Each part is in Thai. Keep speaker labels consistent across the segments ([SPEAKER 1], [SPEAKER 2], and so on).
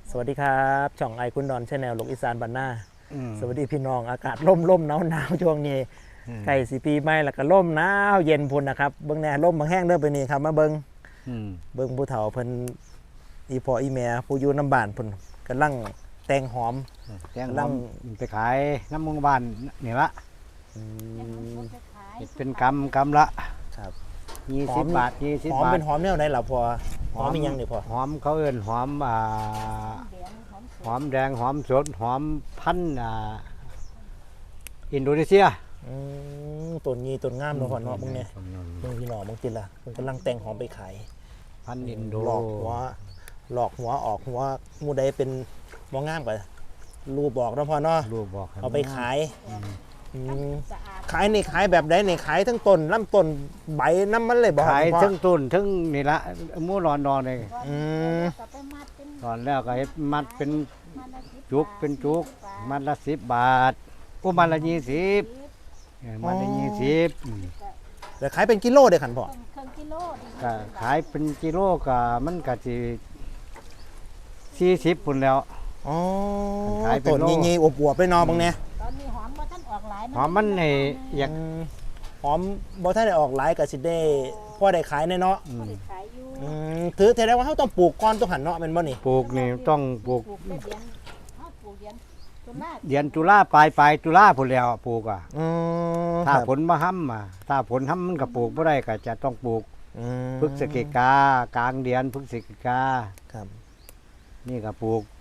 [SPEAKER 1] สวัสดีครับช่องไอคุณดอนชาแนลลูกอีสานบ้านนาสวัสดีพี่น้องอากาศร่มหนาวช่วงนี้ใกล้สิปีใหม่แล้วก็ร่มหนาวเย็นพุ่นนะครับเบิ่งแน่ร่มบางแห้งเด้อไปนี่ครับมาเบิ่งผู้เฒ่าเพิ่นอีพ่ออีแม่ผู้อยู่น้ำบ้านพุ่นกำลังแต่งหอม
[SPEAKER 2] ไปขายน้ำมุงบ้านนี่ละเป็นกำละ
[SPEAKER 1] ครับ
[SPEAKER 2] 20 บาท20
[SPEAKER 1] หอม
[SPEAKER 2] บาท
[SPEAKER 1] เป็นหอมแนวไหนล่ะพ่อหอมมีหยังนี่พ่อ
[SPEAKER 2] หอมเขาเอิ้นหอมหอมแดงหอมสดหอมพันธุ์อินโดนีเซีย
[SPEAKER 1] ต้นนี้ต้นงามเนาะพ่อเนาะเบิ่งเนี่ยเบิ่งพี่น้องเบิ่งติล่ะเพิ่นกำลังแต่งหอมไปขาย
[SPEAKER 2] พันธุ์อินโด
[SPEAKER 1] หลอกหัวออกหัวหมู่ใดเป็นบ่งามก็รูปบอกเนาะพ่อเนาะ
[SPEAKER 2] รูปบอก
[SPEAKER 1] เอาไปขายขายนี่ขายแบบใดนี่ขายทั้งต้นลำต้นใบน้ำมันเลยบอก
[SPEAKER 2] ขายทั้งต้นทั้งนี่ละมู่รอนเลยตอนแล้วก็เฮ็ดมัดเป็นจุกมัดละ10 บาทมัดละ20มัดละ20
[SPEAKER 1] แต่ขายเป็นกิโลเด้อขันพ่อ
[SPEAKER 2] ก็ขายเป็นกิโลก็มันก็สิ40พุ่นแล้ว
[SPEAKER 1] อ๋อขายเป็นต้นใหญ่ๆอวบๆไปนอบางเนี่ย
[SPEAKER 3] ตอนนี้หอมบ่ทันออกหลาย
[SPEAKER 2] หอมมันให้อยาก
[SPEAKER 1] หอมบ่ทันได้ออกหลายก็สิได้พอได้ขายแน่เนาะ
[SPEAKER 3] ได้ขายอยู่
[SPEAKER 1] ถือแสดงว่าเฮาต้องปลูกก่อนต้องหันเนาะแม่นบ่นี่
[SPEAKER 2] ปลูกนี่ต้องปลูก
[SPEAKER 3] เดือน
[SPEAKER 2] ตุลาปลายตุลาพุ่นแล้วปลูกถ้าผลมาห้ำถ้าผลห้ำมันก็ปลูกบ่ได้ก็จะต้องปลูกพฤศจิกากลางเดือนพฤศจิกา
[SPEAKER 1] ครับ
[SPEAKER 2] นี่ก็ปลูก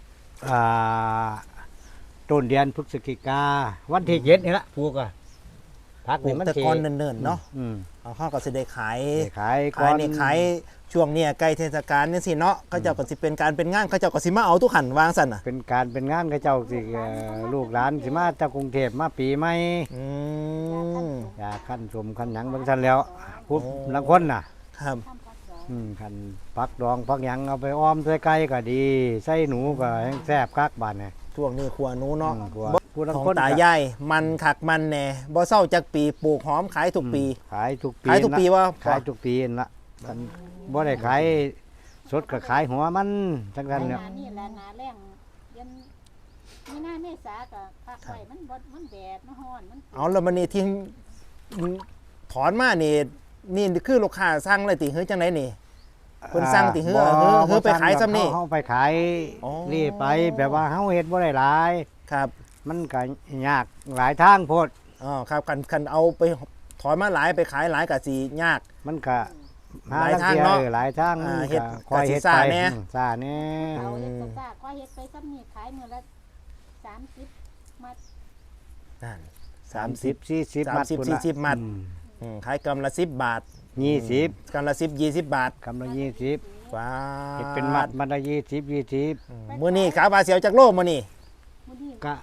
[SPEAKER 2] ต้นเดือนพฤศจิกาวันที่7นี่ละปลูกพัก
[SPEAKER 1] นี่มันก่อนเนิ่นๆเนาะเอาเฮาก็สิได้ขาย
[SPEAKER 2] ก่อน
[SPEAKER 1] นี่ขายช่วงนี้ใกล้เทศกาลจังซี่เนาะเขาเจ้าก็สิเป็นการเป็นงานเขาเจ้าก็สิมาเอาทุกหันวางซั่นน่ะ
[SPEAKER 2] เป็นการเป็นงานเขาเจ้าสิลูกหลานสิมาจากกรุงเทพมาปีใหม่อยากคั่นสมคั่นหยังเบิ่งซั่นแล้วผู้ลางคนน่ะ
[SPEAKER 1] ครับ
[SPEAKER 2] คั่นผักดองผักหยังเอาไปอ้อมใส่ไก่ก็ดีใส่หนูก็แฮ่งแซ่บคักบาดนี่
[SPEAKER 1] ช่วงนี้ขัวหนูเนาะ
[SPEAKER 2] ผู้ลาง
[SPEAKER 1] คนตายายมันคักมันแน่บ่เซาจักปีปลูกหอมขายทุกปี
[SPEAKER 2] ขายทุกปี
[SPEAKER 1] ว่า
[SPEAKER 2] ขายทุกปีนั่นล่ะบ่ได้ขายสดก็ขายหัวมันจังซั่นเนี่ย
[SPEAKER 3] นี่แหละหน้าแล้งเดือนมีนาเมษาก็พักไว้มันแดดมันร้อนมัน
[SPEAKER 1] เอาแล้วมันนี่ที่ถอนมานี่คือลูกค้าสั่งเลยติเฮ้ยจังได๋นี่เพิ่นสั่งติเฮ้อไปขายซ้ำนี่
[SPEAKER 2] เฮาไปขายรีบไปแบบว่าเฮาเฮ็ดบ่ได้หลาย
[SPEAKER 1] ครับ
[SPEAKER 2] มันก็ยากหลายทางโพด
[SPEAKER 1] ครับคันเอาไปถอนมาหลายไปขายหลายก็สิยาก
[SPEAKER 2] มันก็หลายทางเนาะหลายทาง
[SPEAKER 1] เฮ็ดคอยเฮ็ดซ่าแน่
[SPEAKER 3] เอาเฮ็ดซ่าคอยเฮ็ดไปซ้ำนี่ขายมื้อละ30มัด
[SPEAKER 1] นั่น
[SPEAKER 2] 30 40มัด
[SPEAKER 1] 40มัดขายกำละ10 บาท
[SPEAKER 2] 20
[SPEAKER 1] กำละ20บาท
[SPEAKER 2] กำละ20
[SPEAKER 1] ว้า
[SPEAKER 2] เฮ็ดเป็นมัดละ20
[SPEAKER 1] มื้อนี้กะว่าสิเอาจักโลมื้อนี้
[SPEAKER 2] กะ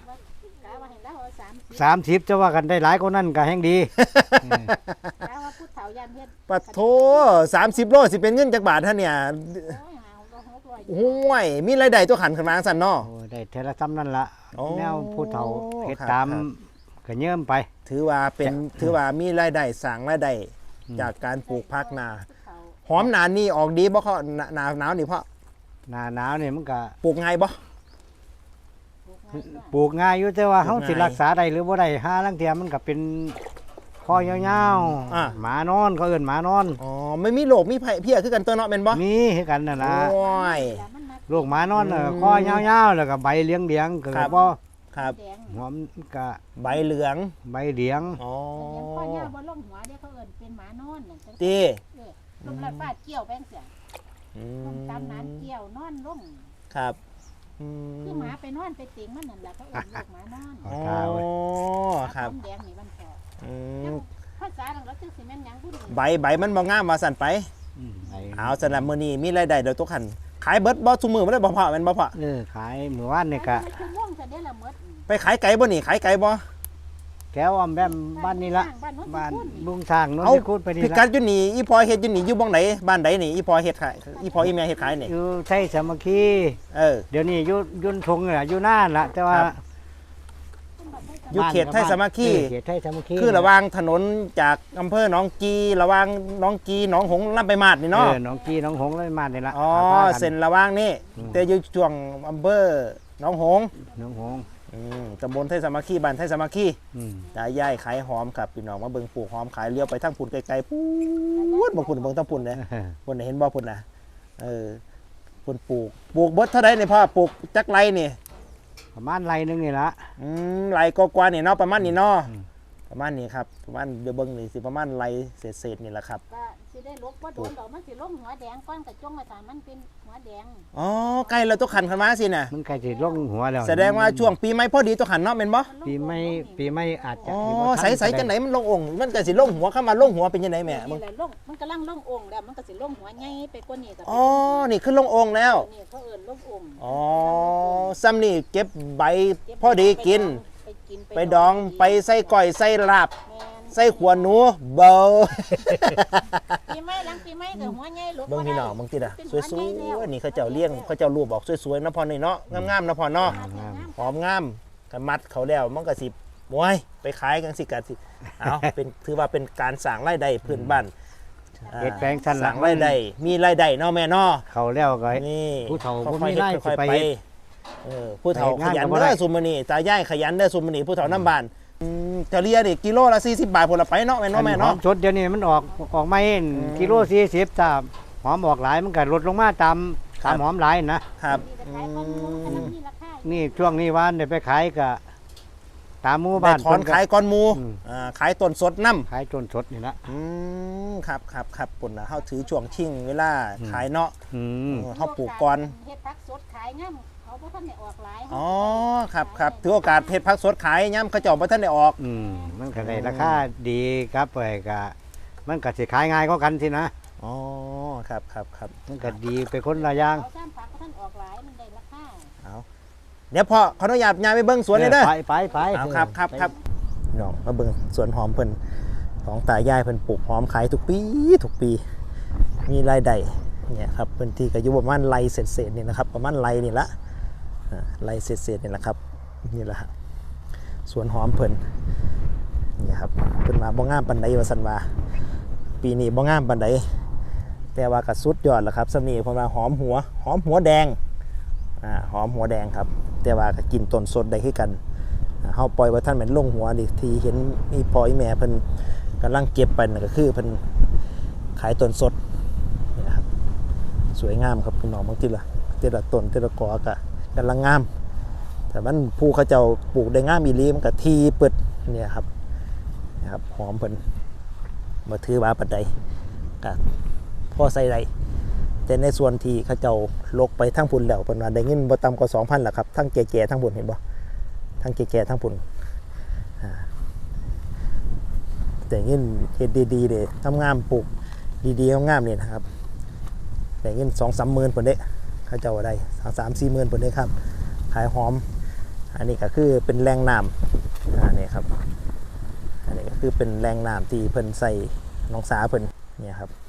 [SPEAKER 2] 30จะว่ากันได้หลายกว่านั้นก็แฮงดี
[SPEAKER 1] ปะโถ30 โลสิเป็นเงินจักบาทท่านเนี่ยห้วยมีรายได้ตัวขันขึ้นมาซั่นเนาะ
[SPEAKER 2] ได้เท่าละซ้ำนั่นล่ะแนวผู้เฒ่าเฮ็ดตามก็เยิ่มไป
[SPEAKER 1] ถือว่ามีรายได้สร้างรายได้จากการปลูกผักนาหอมหนานี่ออกดีบ่เขาหนาวนี่เพราะ
[SPEAKER 2] หน้าหนาวนี่มันก็
[SPEAKER 1] ปลูกง่ายบ่
[SPEAKER 2] ปลูกง่ายอยู่แต่ว่าเฮาสิรักษาได้หรือบ่ได้หาลางเที่ยมันก็เป็นคอยาวๆหมานอนเขาเอิ้นหมานอน
[SPEAKER 1] ไม่มีโรคมีเพี้ยคือกันตัวเนาะแม่นบ่
[SPEAKER 2] มีคือกันนั่นล่ะ
[SPEAKER 1] โอ้ย
[SPEAKER 2] โรคหมานอนคอยาวๆแล้วก็ใบเหลืองๆก็บ่
[SPEAKER 1] ครับ
[SPEAKER 2] หอมก็
[SPEAKER 1] ใบเหลือง
[SPEAKER 3] อ๋อคอยาวบ่ลงหัวเดี๋ยวเขาเอิ้นเป็นหมานอนนั่น
[SPEAKER 1] ติ
[SPEAKER 3] ลงลัดฟาดเกี่ยวแป้งเสียลงตามนั้นเกี่ยวนอนลง
[SPEAKER 1] ครับ
[SPEAKER 3] คือหมาไปนอนไปติงมันนั่นแหละเขาเอิ้นลูกหมานอน
[SPEAKER 1] ครับ
[SPEAKER 3] แดงนี่มันพอภาษาเราจังสิแม่นหยังพูด
[SPEAKER 1] ใบมันบ่งามว่าสั่นไปเอาสำหรับมื้อนี้มีรายได้โดยทุกขันขายเบิดบ่ซุมื้อบ่ได้บ่พอแม่นบ่พอ
[SPEAKER 2] ขายมื้อวานนี่ก็
[SPEAKER 1] ไปขายไก่บ่นี่ขายไก่บ่
[SPEAKER 2] แก้วอ้อมแบมบ้านนี้ละบ้านลุงช่างโน้นที่พูดไปนี่ละ
[SPEAKER 1] พิกัดอยู่นี่อีพอเฮ็ดอยู่นี่อยู่บ้องไหนบ้านใดนี่อีพอเฮ็ดขายอีพออีแม่เฮ็ดขายนี่
[SPEAKER 2] อยู่ไทยสามัคคีเดี๋ยวนี้ยุ่นทงน่ะอยู่น่านล่ะแต่ว่า
[SPEAKER 1] อยู่เขตไทยสามัคคี
[SPEAKER 2] เขตไทยสามัคคี
[SPEAKER 1] คือระหว่างถนนจากอำเภอหนองกีระหว่างหนองกีหนองหงส์ลำไปมาดนี่เนาะ
[SPEAKER 2] หนองกีหนองหงส์เลยมานี่ละ
[SPEAKER 1] อ๋อ
[SPEAKER 2] พากัน
[SPEAKER 1] เส้นระหว่างนี่แต่อยู่ช่วงอำเภอหนองหงส์
[SPEAKER 2] หนองหงส์
[SPEAKER 1] ตำบลไทยสามัคคีบ้านไทยสามัคคี
[SPEAKER 2] อืม
[SPEAKER 1] ตายายขายหอมครับพี่น้องมาเบิ่งปลูกหอมขายเลี้ยวไปทั้งพุ่นไกลๆพูดบางพุ่นเบิ่งทั้งพุ่นเลยพุ่นน่ะเห็นบ่พุ่นน่ะพุ่นปลูกเบิดเท่าใดนี่พ่อปลูกจักไรนี่
[SPEAKER 2] ประมาณไรนึงนี่ละ
[SPEAKER 1] ไรกว่าๆนี่เนาะประมาณนี้เนาะ
[SPEAKER 2] อืม
[SPEAKER 1] ประมาณนี้ครับประมาณเดี๋ยวเบิ่งนี่สิประมาณไรเศษๆนี่แหละครับ
[SPEAKER 3] ก็สิได้ลบบ่โดนดอกมันสิลงหัวแดงก้อนกระจงไว้ถ้ามันเป็นหัวแดง
[SPEAKER 1] อ๋อใกล้แล้วตัวขันขึ้นมาสิน่ะ
[SPEAKER 2] มันใกล้สิลงหัวแล้ว
[SPEAKER 1] แสดงว่าช่วงปีใหม่พอดีตัวขันเนาะแม่นบ่
[SPEAKER 2] ปีไม่อาจจะ
[SPEAKER 1] อ๋อ
[SPEAKER 2] สิบ่ทัน
[SPEAKER 1] ใสๆจังไหนมันลงองค์มันก็สิลงหัวเข้ามาลงหัวเป็นจังไดแม่มึ
[SPEAKER 3] นี่
[SPEAKER 1] ง
[SPEAKER 3] แหละลงมันกำลังลงองค์แล้วมันก็สิลงหัวใหญ่ไปกว่านี้ก็
[SPEAKER 1] อ๋อนี่ขึ้นลงองค์แล้ว
[SPEAKER 3] นี่เขาเอิ้นลงองค์
[SPEAKER 1] อ๋อซ้ำนี่เก็บใบพอดีกิน
[SPEAKER 3] ไปกิน
[SPEAKER 1] ไปดองไปใส่ก้อยใส่ลาบ
[SPEAKER 3] แม่น
[SPEAKER 1] ใส่ขวานหนูเบา
[SPEAKER 3] ปีใหม่หลังปีใหม่ก็หัวใหญ่ลบ
[SPEAKER 1] เบิ่ง
[SPEAKER 3] บ่
[SPEAKER 1] พี่
[SPEAKER 3] ได้
[SPEAKER 1] น้องเบิ่งติดอ่ะ
[SPEAKER 3] เป็น
[SPEAKER 1] ส
[SPEAKER 3] หั
[SPEAKER 1] วย
[SPEAKER 3] ใหญ่แล้ว
[SPEAKER 1] ๆนี่เขาเจ้าเลี้ยงเขาเจ้ารูปบอกสวยๆนะพ่อนี่เนาะงามๆนะพ่อเนาะหอมงามกันมัดเขาแล้วมันก็สิมวยไปขายกันสิกันสิเอาเป็นถือว่าเป็นการสร้างรายได้พื้นบ้าน
[SPEAKER 2] เฮ็ดแปลงสันห
[SPEAKER 1] ส
[SPEAKER 2] ลั
[SPEAKER 1] ร้าง งรายได้มีรายได้เนาะแม่เนาะ
[SPEAKER 2] เขาแล้วก็
[SPEAKER 1] นี่
[SPEAKER 2] ผู้เฒ่า
[SPEAKER 1] ค่อยๆ
[SPEAKER 2] บ่มีราย
[SPEAKER 1] ค่อยๆ
[SPEAKER 2] สิไป
[SPEAKER 1] ไป
[SPEAKER 2] เฮ็ด
[SPEAKER 1] ผู้เฒ่า
[SPEAKER 2] ไป
[SPEAKER 1] ข
[SPEAKER 2] งาน
[SPEAKER 1] ยัน
[SPEAKER 2] ก็บ่
[SPEAKER 1] เด้
[SPEAKER 2] ได้
[SPEAKER 1] อซุมอนี่ตายายขยันเด้อซุมอนี่ผู้เฒ่าน้ำบ้านจะเลียนี่กิโลละ40 บาทพุ่นละไปเนาะแม่เนาะแม่
[SPEAKER 2] หอ
[SPEAKER 1] เนาะ
[SPEAKER 2] มสดเดี๋ยวนี้มันออกมาเองกิโล40จ้าหอมออกหลายมันก็ลดลงมาตามหอมหลายนะครับ
[SPEAKER 3] นี่ก็ขายก้อนหมูอันนั้นมีราคาอยู่
[SPEAKER 2] นี่ช่วงนี้วานได้ไปขายก็ตามหมู่
[SPEAKER 1] ได้
[SPEAKER 2] บ้าน
[SPEAKER 1] ถอนขายก้อนหมู
[SPEAKER 2] อืม
[SPEAKER 1] ขายต้นสดน้ำ
[SPEAKER 2] ขายจนสดนี่ละ
[SPEAKER 1] ครับปุ่นนะเขาถือช่วงชิ่งเวลาขายเนาะ
[SPEAKER 2] อืม
[SPEAKER 1] เขาปลูกก่อน
[SPEAKER 3] เฮ็ดผักสดขายงามเขาบ่ทันได้ออกหลาย
[SPEAKER 1] อ๋อครับถือโอกาสเพชรพักสดขายย่ำเขาเจาะบ่ท่านได้ออก
[SPEAKER 2] มันก็ได้ราคาดีครับไปก็มันก็สิขายง่ายกว่ากันสินะ
[SPEAKER 1] อ๋อครับ
[SPEAKER 2] มันก็ดีไปคนละอย่าง
[SPEAKER 3] เขาสร้างผักบ่ทันออกหลายมันได้ราคา
[SPEAKER 1] เอาเดี๋ยวพ่อขออนุญาตย้ายไปเบิ้งสวนเลยเด้อ
[SPEAKER 2] ไป
[SPEAKER 1] เอาครับน้องมาเบิ้งสวนหอมเพิ่นของตายายเพิ่นปลูกหอมขายทุกปี มีรายได้เนี่ยครับพื้นที่ก็อยู่ประมาณไรเศษๆนี่นะครับประมาณไรนี่ละไรเศษๆนี่แหละครับนี่แหละครับสวนหอมเพิ่นนี่ครับเพิ่นมาบ่งามปานใดว่าซั่นว่าปีนี้บ่งามปานใดแต่ว่าก็สุดยอดแล้วครับสำนีเพิ่นว่าหอมหัวแดงหอมหัวแดงครับแต่ว่าก็กินต้นสดได้คือกันเฮาปล่อยไว้ท่านเหมือนลงหัวนี่ที่เห็นอีพ่ออีแม่เพิ่นกำลังเก็บไปนั่นก็คือเพิ่นขายต้นสดนะครับสวยงามครับพี่น้องบางทีละต้นแต่ละกอก็กำลังงามแต่มันผู้เขาเจ้าปลูกได้งามอีหลีมันก็ทีเปิดเนี่ยครับนะครับหอมเพิ่นบ่ถือว่าปานใดก็พอใส่ได้แต่ในส่วนที่เขาเจ้าลกไปทั้งพุ่นแล้วเพิ่นว่าได้เงินบ่ต่ำกว่า 2,000 ล่ะครับทั้งแก่ๆทั้งพุ่นเห็นบ่ทั้งแก่ๆทั้งพุ่นแต่เงินเฮ็ดดีๆเด้ทำงามปลูกดีๆงามๆนี่นะครับแต่เงิน 2-3 หมื่นพุ่นเด้เขาเจ้าได้ 3-4 หมื่นพุ่นเด้ครับขายหอมอันนี้ก็คือเป็นแรงน้ำนี่ครับอันนี้ก็คือเป็นแรงน้ำที่เพิ่นใส่น้องสาเพิ่นเนี่ยครับ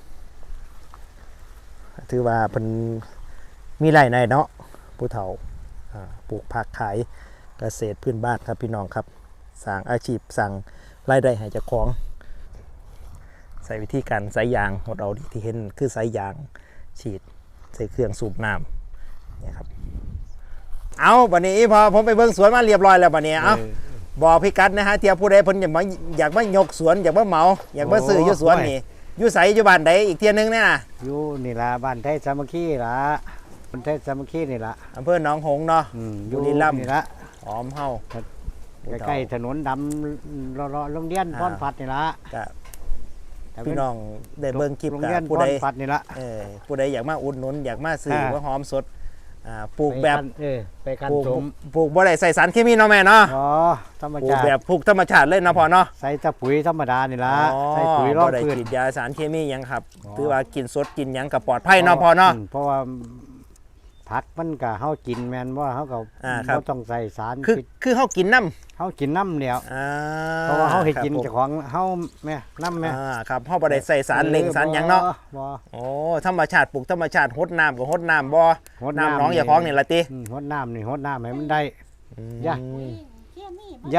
[SPEAKER 1] ถือว่าเพิ่นมีรายได้เนาะผู้เฒ่าปลูกผักขายเกษตรพื้นบ้านครับพี่น้องครับสร้างอาชีพสร้างรายได้ให้เจ้าของใส่วิธีการใส่ยางหดเอาที่เห็นคือใส่ยางฉีดใส่เครื่องสูบน้ำเนี่ยครับเอาบัดนี้พอผมไปเบิ่งสวนมาเรียบร้อยแล้วบัดนี้เอาบอกพี่กัดนะฮะเทียผู้ใดเพิ่นอยากมายกสวนอยากมาเหมาอยากมาซื้ออยู่สวนนี่อยู่ไสอยู่บ้านใดอีกเที่ยนึงเนี่ยนะ
[SPEAKER 2] อยู่นี่ละบ้านไทยสามัคคีละบ้านไทยสามัคคีนี่ละ
[SPEAKER 1] อำเภอหนองหงส์เนาะ
[SPEAKER 2] อยู่
[SPEAKER 1] บุรีรัมย์
[SPEAKER 2] นี่ละ
[SPEAKER 1] หอมเฮา
[SPEAKER 2] ใกล้ๆถนนดำรอโรงเรียนพรพัดนี่ละ
[SPEAKER 1] ก็พี่น้องได้เบิ่งคลิป
[SPEAKER 2] โรง
[SPEAKER 1] กั
[SPEAKER 2] เรียน
[SPEAKER 1] ผู้
[SPEAKER 2] พ
[SPEAKER 1] ใด
[SPEAKER 2] รพัดนี่ละ
[SPEAKER 1] ผู้ใดอยากมาอุดหนุนอยากมาซื้อว่าหอมสดปลูกแบบ
[SPEAKER 2] ไปคัน
[SPEAKER 1] ปลูก
[SPEAKER 2] สม
[SPEAKER 1] บ่ได้ใส่สารเคมีเนาะแม่เนาะ
[SPEAKER 2] อ๋อธรรม
[SPEAKER 1] ปลู
[SPEAKER 2] ชาก ติ
[SPEAKER 1] แบบปลูกธรรมชาติเลยเนาะพ่อเนาะ
[SPEAKER 2] ใส่แตะปุ๋ยธรรมดานี่ละใส่ปุ๋ยรอบ
[SPEAKER 1] บ่ได้
[SPEAKER 2] พื้น
[SPEAKER 1] ฉีดยาสารเคมีหยังครับ
[SPEAKER 2] อ๋อ
[SPEAKER 1] ถือว่ากินสดกินหยังก็ปลอดภัยเนาะพ่อเนาะ
[SPEAKER 2] เพราะว่าผักมันก็เฮากินแม่นว่าเฮาก็
[SPEAKER 1] ครับ
[SPEAKER 2] บ่ต้องใส่สาร
[SPEAKER 1] คือเฮากินน้ำ
[SPEAKER 2] เฮากินน้ำแล้ว
[SPEAKER 1] อ่า
[SPEAKER 2] เพราะว่าเฮาเฮ็ดกิน
[SPEAKER 1] ครับ
[SPEAKER 2] เจ้าของเฮาแม่น้ำแม่
[SPEAKER 1] ครับเฮาบ่ได้ใส่สารเล็งสารหยังเนาะ
[SPEAKER 2] บ่
[SPEAKER 1] โอ้ธรรมชาติปลูกธรรมชาติหดน้ำก็หดน้ำบ่
[SPEAKER 2] หดน้ำ
[SPEAKER 1] น้ำหน้องอย่าคล้องนี่ละติ
[SPEAKER 2] หดน้ำนี่หดน้ำให้มันได้ อย่า
[SPEAKER 3] เคมี
[SPEAKER 2] อย่า
[SPEAKER 3] ห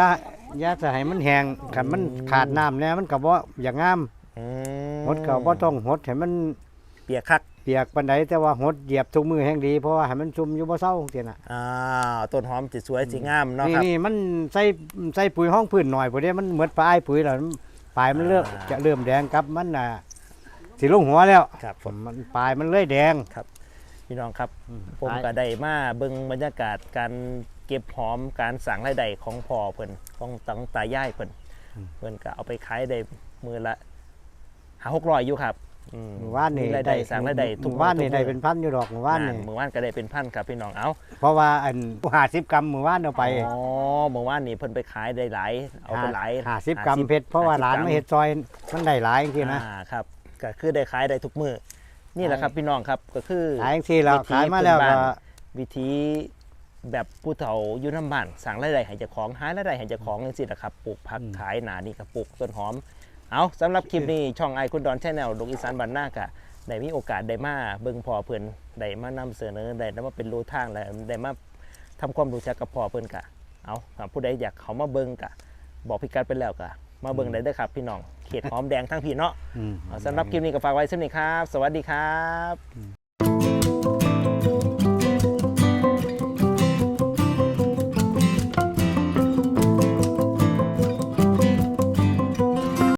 [SPEAKER 2] อย่าจะให้มันแห้งคันมันขาดน้ำเนี่ยมันก็บ่อย่างงาม
[SPEAKER 1] อืม
[SPEAKER 2] หดก็บ่ต้องหดให้มัน
[SPEAKER 1] เปียกคัก
[SPEAKER 2] เปียกปานใดแต่ว่าหดเหยียบทุกมือแห่งดีเพราะว่าให้มันชุ่มอยู่บ่เซาจังซี่น่ะ
[SPEAKER 1] ต้นหอมสิสวยสิงามเนาะ
[SPEAKER 2] นี่
[SPEAKER 1] ครับ
[SPEAKER 2] นี่มันใส่ปุ๋ยห้องพื้นหน่อยพุ่นเด้มันเหมือนปลายปุ๋ยแล้วปลายมันเริ่ม
[SPEAKER 1] อ่า
[SPEAKER 2] จะเริ่มแดงกับมันน่ะสิลงหัวแล้ว
[SPEAKER 1] ครับผม
[SPEAKER 2] มันปลายมันเลยแดง
[SPEAKER 1] พี่น้องครับ ผมก็ได้มาเบิ่งบรรยากาศการเก็บหอมการสั่งรายได้ของพ่อเพิ่นของตังตายายเพิ่นเพิ่นก็เอาไปขายได้มือละ500-600อยู่ครับ
[SPEAKER 2] หมู่บ้านนี่
[SPEAKER 1] มีรายได้สั่งรายได้
[SPEAKER 2] หมู่บ้านนี่ได้เป็นพันอยู่ดอกหมู่บ้านนี่
[SPEAKER 1] หมู่บ้านก็ได้เป็นพันครับพี่น้องเอา
[SPEAKER 2] เพราะว่าอัน50 กรัมหมู่บ้านเอาไป
[SPEAKER 1] อ๋อหมู่บ้านนี่เพิ่นไปขายได้หลายเอาไปหลาย
[SPEAKER 2] 50 กรัมเพชรเพราะว่าหลานมาเฮ็ดซอยมันได้หลายจังซี่นะ
[SPEAKER 1] ครับก็คือได้ขายได้ทุกมื้อนี่แหละครับพี่น้องครับก็คือ
[SPEAKER 2] ขายจังซี่แล้วขายมาแล้วก็
[SPEAKER 1] วิธีแบบผู้เฒ่าอยู่น้ำบ้านสั่งรายได้ให้เจ้าของหารายได้ให้เจ้าของจังซี่นะครับปลูกผักขายหนานี่ก็ปลูกต้นหอมเอาสำหรับคลิปนี้ช่องไอคุณดอนแชนแนลลูกอีสานบ้านนากะได้มีโอกาสได้มาเบิ่งพ่อเพิ่นได้มานำเสนอได้มาเป็นรูทางแล้วได้มาทำความรู้จักกับพ่อเพิ่นกะเอาถ้าผู้ใดอยากเขามาเบิ่งกะบอกพิกัดไปแล้วกะมาเบิ่งได้เด้อครับพี่น้องเขตหอมแดงทั้งพี่เนาะ
[SPEAKER 2] อืม
[SPEAKER 1] สำหรับคลิปนี้ก็ฝากไว้สำหรับนี้ครับ สวัสดีครับ